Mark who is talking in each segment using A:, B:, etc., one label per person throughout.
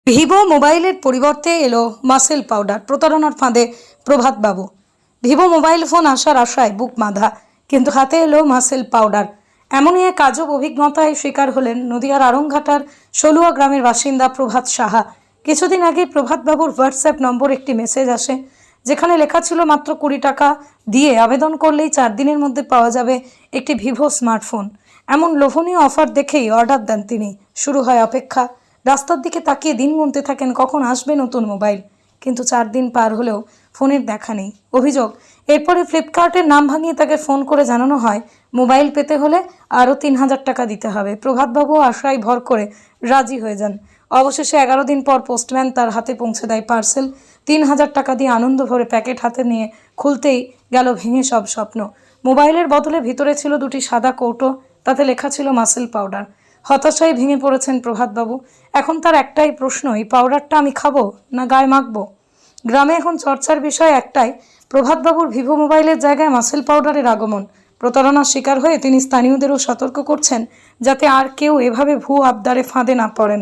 A: Vivo মোবাইলের পরিবর্তে এলো মাসেল পাউডার। প্রতারণার ফাঁদে প্রভাত বাবু। ভিভো মোবাইল ফোন আসার আশায় বুক বাঁধা, কিন্তু হাতে এলো মাসেল পাউডার। এমনই এক আজব অভিজ্ঞতায় শিকার হলেন নদিয়ার আড়ংঘাটার সলুয়া গ্রামের বাসিন্দা প্রভাত সাহা। কিছুদিন আগে প্রভাত বাবুর হোয়াটসঅ্যাপ নম্বর একটি মেসেজ আসে, যেখানে লেখা ছিল মাত্র 20 টাকা দিয়ে আবেদন করলেই 4 দিনের মধ্যে পাওয়া যাবে একটি ভিভো স্মার্টফোন। এমন লোভনীয় অফার দেখেই অর্ডার দেন তিনি। শুরু হয় অপেক্ষা। রাস্তার দিকে তাকিয়ে দিন গুনতে থাকেন কখন আসবে নতুন মোবাইল, কিন্তু 4 দিন পার হলেও ফোনের দেখা নেই। অভিযোগ, এরপরে ফ্লিপকার্টের নাম ভাঙিয়ে তাকে ফোন করে জানানো হয় মোবাইল পেতে হলে আরও 3000 টাকা দিতে হবে। প্রভাতবাবু আশায় ভর করে রাজি হয়ে যান। অবশেষে 11 দিন পর পোস্টম্যান তার হাতে পৌঁছে দেয় পার্সেল। 3000 টাকা দিয়ে আনন্দ ভরে প্যাকেট হাতে নিয়ে খুলতেই গেল ভেঙে সব স্বপ্ন। মোবাইলের বদলে ভিতরে ছিল 2টি সাদা কৌটো, তাতে লেখা ছিল মাসেল পাউডার। হতাশায় ভেঙে পড়েছেন প্রভাতবাবু। এখন তার একটাই প্রশ্ন, এই পাউডারটা আমি খাবো না গায়ে মাখবো? গ্রামে এখন চর্চার বিষয় একটাই, প্রভাতবাবুর ভিভো মোবাইলের জায়গায় মাসেল পাউডারের আগমন। প্রতারণার শিকার হয়ে তিনি স্থানীয়দেরও সতর্ক করছেন যাতে আর কেউ এভাবে ভুয়ো আবদারে ফাঁদে না পড়েন।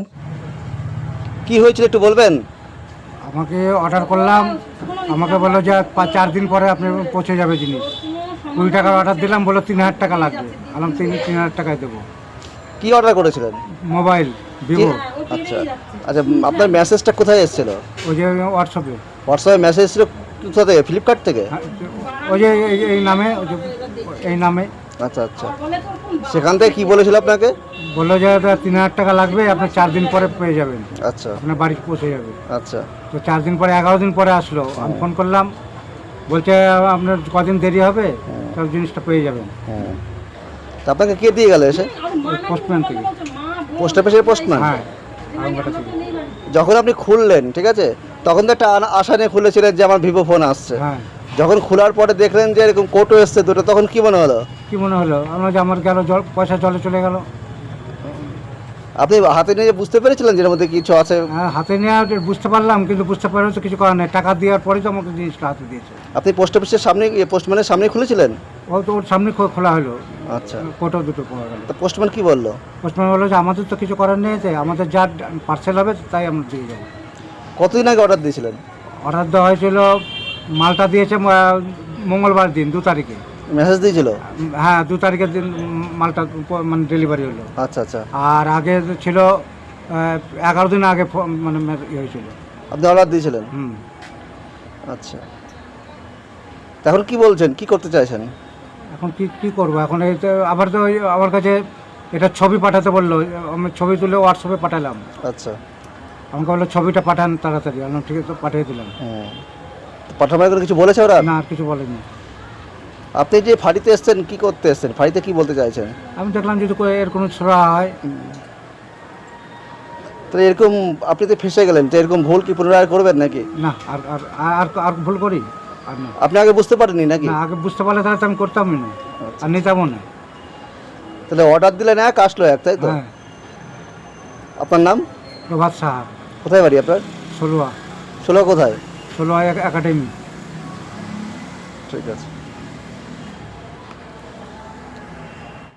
B: কি হয়েছিল একটু বলবেন?
C: আমাকে অর্ডার করলাম, আমাকে বললো যে 4 দিন পরে আপনি পৌঁছে যাবে জিনিস। 20 টাকার অর্ডার দিলাম, বললো 3000 টাকা লাগবে। আলাম 3000 টাকায় দেবো।
B: কি অর্ডার করেছিলেন?
C: Mobile Vivo.
B: আচ্ছা আচ্ছা, আপনার মেসেজটা কোথায় এসেছিল?
C: ওই যে হোয়াটসঅ্যাপে।
B: হোয়াটসঅ্যাপে মেসেজ এসেছিল কোথা থেকে? ফ্লিপকার্ট থেকে?
C: ওই যে এই নামে, ওই যে এই নামে।
B: আচ্ছা আচ্ছা, সেখান থেকে কি বলেছিল আপনাকে?
C: বললো যে 3000 টাকা লাগবে, আপনি 4 দিন পরে পেয়ে যাবেন,
B: আচ্ছা
C: আপনার বাড়ি পৌঁছে যাবে।
B: আচ্ছা,
C: তো 4 দিন পরে 11 দিন পরে আসলো। আমি ফোন করলাম, বলছে আপনার কদিন দেরি হবে, সব জিনিসটা পেয়ে যাবেন।
B: হ্যাঁ, তা আপনাকে কে দিয়ে গেল এসে?
C: পোস্টম্যান থেকে।
B: পোস্ট অফিসের পোস্টম্যান?
C: হ্যাঁ, আরামবাটা থেকে।
B: যখন আপনি খুললেন, ঠিক আছে, তখন তো একটা আশা নিয়ে খুলেছিলেন যে আমার ভিভো ফোন আসছে।
C: হ্যাঁ।
B: যখন খোলার পরে দেখলেন যে এরকম কোটো এসছে দুটো, তখন কি মনে হলো?
C: কি মনে হলো? আমরা যে আমার গেল পয়সা জলে চলে গেল।
B: আপনি হাতে নিয়ে বুঝতে পেরেছিলেন যে এর মধ্যে কিছু আছে?
C: হ্যাঁ, হাতে নিয়ে বুঝতে পারলাম, কিন্তু বুঝতে পারলে তো কিছু করার নেই। টাকা দেওয়ার পরেই তো আমাকে জিনিসটা হাতে দিয়েছে।
B: আপনি পোস্ট অফিসের সামনে, পোস্টম্যানের সামনে খুলেছিলেন?
C: ও তো ওর সামনে খোলা হলো।
B: আচ্ছা,
C: কোটো দুটো পাওয়া গেল।
B: তো পোস্টম্যান কি বললো?
C: পোস্টম্যান বললো যে আমাদের তো কিছু করার নেই, তাই আমাদের যা পার্সেল হবে তাই আমরা দিয়ে যাবো।
B: কতদিন আগে অর্ডার দিয়েছিলেন?
C: অর্ডার দেওয়া হয়েছিল, মালটা দিয়েছে মঙ্গলবার দিন 2 তারিখে।
B: মেসেজ দিয়েছিল?
C: হ্যাঁ, 2 তারিখের দিন মালটা মানে ডেলিভারি হলো।
B: আচ্ছা আচ্ছা,
C: আর আগে ছিল 11 দিন আগে মানে ইয়ে হয়েছিল।
B: আপনি অর্ডার দিয়েছিলেন?
C: হুম।
B: আচ্ছা, এখন কি বলছেন, কি করতে চাইছেন?
C: এখন কি করবো? এখন এই তো আবার তো আমার কাছে এটা ছবি পাঠাতে বললো। আমি ছবি তুলে হোয়াটসঅ্যাপে পাঠালাম।
B: আচ্ছা,
C: আমাকে বললো ছবিটা পাঠান তাড়াতাড়ি। আমি ঠিক আছে, পাঠিয়ে দিলাম।
B: হ্যাঁ, পাঠাবার করে কিছু বলেছে ওরা?
C: না, আর কিছু বলেনি।
B: আপনি যে ফাঁড়িতে এসছেন, কি করতে এসছেন? ফাঁড়িতে কি বলতে চাইছেন?
C: আমি দেখলাম যদি এর কোনো ছোড়া হয়।
B: তাহলে এরকম আপনি তো ফেসে গেলেন, তো এরকম ভুল কি পুনরায় করবেন নাকি?
C: না, আর আর আর আর ভুল করি আর না।
B: আপনি আগে বুঝতে পারেননি নাকি?
C: না, আগে বুঝতে পারলে তাহলে তো আমি করতামই না, আর নিতামও না।
B: তাহলে অর্ডার দিলেন এক, আসলো এক, তাই তো?
C: হ্যাঁ।
B: আপনার নাম?
C: প্রভাত সাহা।
B: কোথায় বাড়ি আপনার?
C: ষোলোয়া।
B: ষোলো কোথায়?
C: ষোলোয়া একাডেমি।
B: ঠিক আছে।